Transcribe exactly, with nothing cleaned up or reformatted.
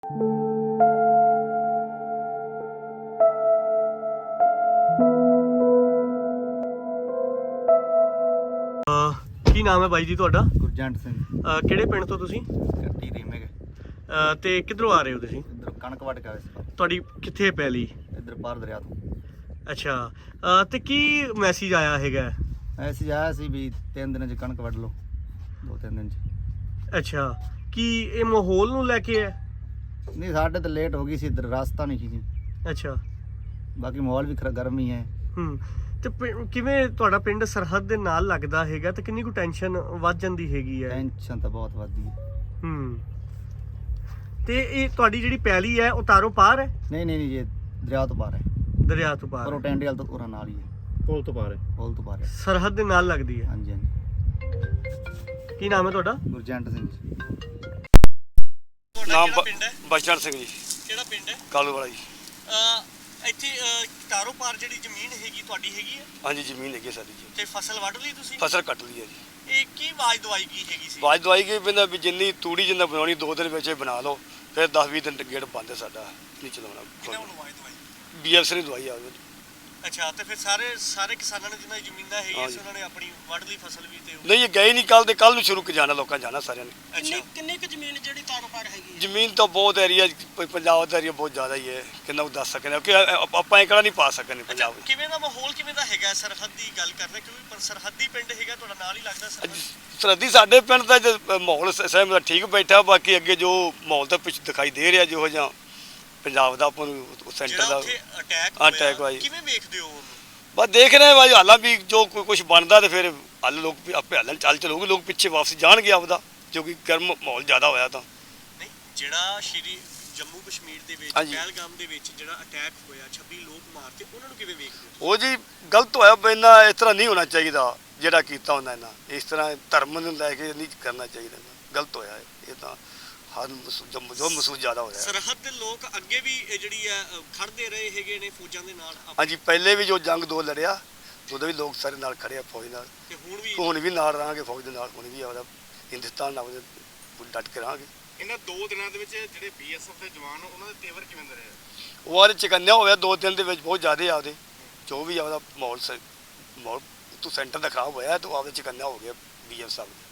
ਕੀ ਨਾਮ ਹੈ ਬਾਈ ਜੀ ਤੁਹਾਡਾ? ਗੁਰਜੰਟ ਸਿੰਘ। ਅਹ ਕਿਹੜੇ ਪਿੰਡ ਤੋਂ ਤੁਸੀਂ? ਕੱਟੀ ਰੀਮੇਕ। ਅਹ ਤੇ ਕਿੱਧਰੋਂ ਆ ਰਹੇ ਹੋ ਤੁਸੀਂ? ਇੱਧਰ ਕਣਕ ਵੱਢ ਕੇ ਆਏ ਸੀ। ਤੁਹਾਡੀ ਕਿੱਥੇ ਪੈਲੀ? ਇੱਧਰ ਪਾਰ ਦਰਿਆ ਤੋਂ। ਅੱਛਾ, ਅਹ ਤੇ ਕੀ ਮੈਸੇਜ ਆਇਆ ਹੈਗਾ? ਮੈਸੇਜ ਆਇਆ ਸੀ ਵੀ ਤਿੰਨ ਦਿਨਾਂ 'ਚ ਕਣਕ ਵੱਢ ਲਓ, ਦੋ ਤਿੰਨ ਦਿਨ 'ਚ। ਅੱਛਾ, ਕੀ ਇਹ ਮਾਹੌਲ ਨੂੰ ਲੈ ਕੇ ਹੈ? ਨਹੀਂ, ਸਾਡੇ ਤਾਂ ਲੇਟ ਹੋ ਗਈ ਸੀ, ਇੱਧਰ ਰਸਤਾ ਨਹੀਂ ਸੀ। ਅੱਛਾ। ਬਾਕੀ ਮਾਹੌਲ ਵੀ ਖਰਾ ਗਰਮ ਹੀ ਹੈ। ਹੂੰ ਤੇ ਪਿੰ- ਕਿਵੇਂ ਤੁਹਾਡਾ ਪਿੰਡ ਸਰਹੱਦ ਦੇ ਨਾਲ ਲੱਗਦਾ ਹੈਗਾ ਤੇ ਕਿੰਨੀ ਕੁ ਟੈਨਸ਼ਨ ਵੱਧ ਜਾਂਦੀ ਹੈਗੀ ਹੈ? ਟੈਨਸ਼ਨ ਤਾਂ ਬਹੁਤ ਵੱਧਦੀ ਹੈ। ਹੂੰ ਤੇ ਇਹ ਤੁਹਾਡੀ ਜਿਹੜੀ ਪੈਲੀ ਹੈ ਉਹ ਤਾਰੋਂ ਪਾਰ ਹੈ? ਨਹੀਂ ਨਹੀਂ ਨਹੀਂ, ਇਹ ਦਰਿਆ ਤੋਂ ਪਾਰ ਹੈ। ਦਰਿਆ ਤੋਂ ਪਾਰ ਪਰ ਉਹ ਹੈ। ਟੈਂਡੇ ਵਾਲ ਤੋਂ ਉਰਾਂ ਨਾਲ ਹੀ ਹੈ। ਪੁਲ ਤੋਂ ਪਾਰ ਹੈ। ਪੁਲ ਤੋਂ ਪਾਰ ਹੈ। ਸਰਹੱਦ ਦੇ ਨਾਲ ਲੱਗਦੀ ਹੈ। ਹਾਂਜੀ ਹਾਂਜੀ। ਕੀ ਨਾਮ ਹੈ ਤੁਹਾਡਾ? ਗੁਰਜੰਟ ਸਿੰਘ ਜੀ। ਨਾਮ ਕਿਹੜਾ ਪਿੰਡ ਹੈ? ਬਚਨ ਸਿੰਘ ਜੀ, ਕਿਹੜਾ ਪਿੰਡ ਹੈ? ਕਾਲੂ ਵਾਲਾ ਜੀ। ਅਹ ਇੱਥੇ ਅਹ ਤਾਰੋਂ ਪਾਰ ਜਿਹੜੀ ਜ਼ਮੀਨ ਹੈਗੀ ਤੁਹਾਡੀ ਹੈਗੀ ਹੈ ਹਾਂਜੀ, ਜ਼ਮੀਨ ਹੈਗੀ ਸਾਡੀ ਜੀ। ਤੇ ਫਸਲ ਵੱਢ ਲਈ ਤੁਸੀਂ? ਫਸਲ ਕੱਟ ਲਈ ਹੈ ਜੀ। ਇਹ ਕੀ ਆਵਾਜ਼ ਦਵਾਈ ਕੀ ਹੈਗੀ ਸੀ? ਬਾਜ ਦਵਾਈ ਗਈ ਪੈਂਦਾ ਵੀ ਜਿੰਨੀ ਤੂੜੀ ਜਿੰਨਾ ਬਣਾਉਣੀ ਦੋ ਦਿਨ ਵਿੱਚ ਹੀ ਬਣਾ ਲਓ, ਫਿਰ ਦਸ ਵੀਹ ਦਿਨ ਗੇੜ ਬੰਦ ਹੈ ਸਾਡਾ, ਨਹੀਂ ਕਿਹਨਾਂ ਚਲਾਉਣਾ। ਵੱਲੋਂ ਆਵਾਜ਼ ਦਵਾਈ? ਬੀ ਐਫ ਸੀ ਨੇ ਦਵਾਈ ਆ। ਅੱਛਾ, ਤੇ ਫਿਰ ਸਾਰੇ ਸਾਰੇ ਕਿਸਾਨਾਂ ਨੇ ਜਿਨ੍ਹਾਂ ਦੀ ਜ਼ਮੀਨਾਂ ਹੈਗੀਆਂ ਸੀ ਹਾਂਜੀ। ਉਹਨਾਂ ਨੇ ਆਪਣੀ ਵੱਢ ਲਈ ਫਸਲ ਵੀ ਤੇ ਉਹ- ਨਹੀਂ, ਇਹ ਗਏ ਨਹੀਂ, ਕੱਲ ਦੇ ਕੱਲ ਨੂੰ ਸ਼ੁਰੂ ਕਰ ਜਾਣਾ ਲੋਕਾਂ ਜਾਣਾ ਸਾਰਿਆਂ ਨੇ। ਅੱਛਾ। ਕਿੰਨੀ ਕਿੰਨੀ ਕੁ ਜ਼ਮੀਨ ਜਿਹੜੀ ਤਾਰੋਂ ਪਾਰ ਹੈਗੀ ਹੈ? ਜ਼ਮੀਨ ਤਾਂ ਬਹੁਤ ਏਰੀਆ ਪੰਜਾਬ ਦਾ ਏਰੀਆ ਬਹੁਤ ਜ਼ਿਆਦਾ ਹੀ ਹੈ, ਕਿੰਨਾ ਕੁ ਦੱਸ ਸਕਦੇ ਹਾਂ ਕਿ ਆਪ- ਆਪਾਂ ਇਹ ਕਿਹੜਾ ਨਹੀਂ ਪਾ ਸਕਦੇ ਪੰਜਾਬ ਵਿੱਚ। ਕਿਵੇਂ ਦਾ ਮਾਹੌਲ ਕਿਵੇਂ ਦਾ ਹੈਗਾ ਸਰਹੱਦ ਦੀ ਗੱਲ ਕਰਦੇ ਕਿਉਂਕਿ ਪਰ ਸਰਹੱਦੀ ਪਿੰਡ ਹੈਗਾ ਤੁਹਾਡਾ ਨਾਲ ਹੀ ਲੱਗਦਾ ਸਰਹੱਦ। ਸਰਹੱਦੀ ਸਾਡੇ ਪਿੰਡ ਦਾ ਜੋ ਮਾਹੌਲ ਸ- ਸਹਿਮ ਦਾ ਠੀਕ ਬੈਠਾ, ਬਾਕੀ ਅੱਗੇ ਜੋ ਮਾਹੌਲ ਤਾਂ ਪਿੱਛੇ ਦਿਖਾਈ ਦੇ ਰਿਹਾ ਜਿਹੋ ਜਿਹਾ ਪੰਜਾਬ ਦਾ ਆਪਾਂ ਨੂੰ ਸੈਂਟਰ ਜਿਹੜਾ ਦਾ ਉੱਥੇ ਅਟੈਕ ਅਟੈਕ ਹੋਇਆ ਜੀ। ਕਿਵੇਂ ਵੇਖਦੇ ਹੋ ਉਹਨੂੰ? ਬਸ ਦੇਖ ਰਹੇ ਭਾਈ ਹਾਲਾਂ ਵੀ ਜੋ ਕੋਈ ਕੁਝ ਬਣਦਾ ਤੇ ਫਿਰ ਹੱਲ ਲੋਕ ਵੀ ਆਪੇ ਹੱਲਣ ਚੱਲ ਚਲੋਗੇ, ਲੋਕ ਪਿੱਛੇ ਵਾਪਸ ਜਾਣਗੇ ਆਪਦਾ, ਜੋ ਕਿ ਗਰਮ ਮਾਹੌਲ ਜ਼ਿਆਦਾ ਹੋਇਆ ਤਾਂ। ਨਹੀਂ, ਜਿਹੜਾ ਸ਼੍ਰੀ ਜੰਮੂ ਕਸ਼ਮੀਰ ਦੇ ਵਿੱਚ ਹਾਂਜੀ। ਪਹਿਲਗਾਮ ਦੇ ਵਿੱਚ ਜਿਹੜਾ ਅਟੈਕ ਹੋਇਆ ਛੱਬੀ ਲੋਕ ਮਾਰਤੇ, ਉਹਨਾਂ ਨੂੰ ਕਿਵੇਂ ਵੇਖਦੇ ਹੋ? ਉਹ ਜੀ ਗਲਤ ਹੋਇਆ, ਇੰਨਾ ਇਸ ਤਰ੍ਹਾਂ ਨਹੀਂ ਹੋਣਾ ਚਾਹੀਦਾ ਜਿਹੜਾ ਕੀਤਾ ਹੁੰਦਾ ਇਹਨਾਂ, ਇਸ ਤਰ੍ਹਾਂ ਧਰਮ ਨੂੰ ਲੈ ਕੇ ਨਹੀਂ ਕਰਨਾ ਚਾਹੀਦਾ, ਗਲਤ ਹੋਇਆ ਇਹ ਤਾਂ। ਹਰ ਮਹਿਸੂਸ- ਜੋ ਜੋ ਮਹਿਸੂਸ ਜ਼ਿਆਦਾ ਹੋਇਆ। ਸਰਹੱਦ ਦੇ ਲੋਕ ਅੱਗੇ ਵੀ ਇਹ ਜਿਹੜੀ ਹੈ ਅ, ਖੜਦੇ ਰਹੇ ਹੈਗੇ ਨੇ ਫੌਜਾਂ ਦੇ ਨਾਲ ਆਪ- ਹਾਂਜੀ, ਪਹਿਲੇ ਵੀ ਜੋ ਜੰਗ ਦੋ ਲੜਿਆ ਉਦੋਂ ਵੀ ਲੋਕ ਸਾਰੇ ਨਾਲ ਖੜੇ ਆ ਫੌਜ ਨਾਲ, ਤੇ ਹੁਣ ਵੀ ਹੁਣ ਵੀ ਨਾਲ ਰਹਾਂਗੇ ਫੌਜ ਦੇ ਨਾਲ, ਹੁਣ ਵੀ ਆਪਦਾ ਹਿੰਦੁਸਤਾਨ ਨਾਲ ਉਹਦੇ ਡਟ ਕੇ ਰਹਾਂਗੇ। ਇਹਨਾਂ ਦੋ ਦਿਨਾਂ ਦੇ ਵਿੱਚ ਜਿਹੜੇ ਬੀਐਸਐਫ ਦੇ ਜਵਾਨ ਉਹਨਾਂ ਦੇ ਤੇਵਰ ਕਿਵੇਂ ਦੇ ਰਹੇ? ਉਹ ਆਰੇ ਚਕੰਨਿਆ ਹੋਇਆ ਦੋ ਦਿਨ ਦੇ ਵਿੱਚ ਬਹੁਤ ਜ਼ਿਆਦਾ ਆਪਦੇ, ਜੋ ਵੀ ਆਪਦਾ ਮਾਹੌਲ ਸ- ਮਾਹੌਲ ਤੋਂ ਸੈਂਟਰ ਦਾ ਖਰਾਬ ਹੋਇਆ ਤਾਂ ਆਪਦੇ ਚਕੰਨਿਆ ਹੋ ਗਿਆ ਬੀ ਐਫ ਸਾਹਿਬ।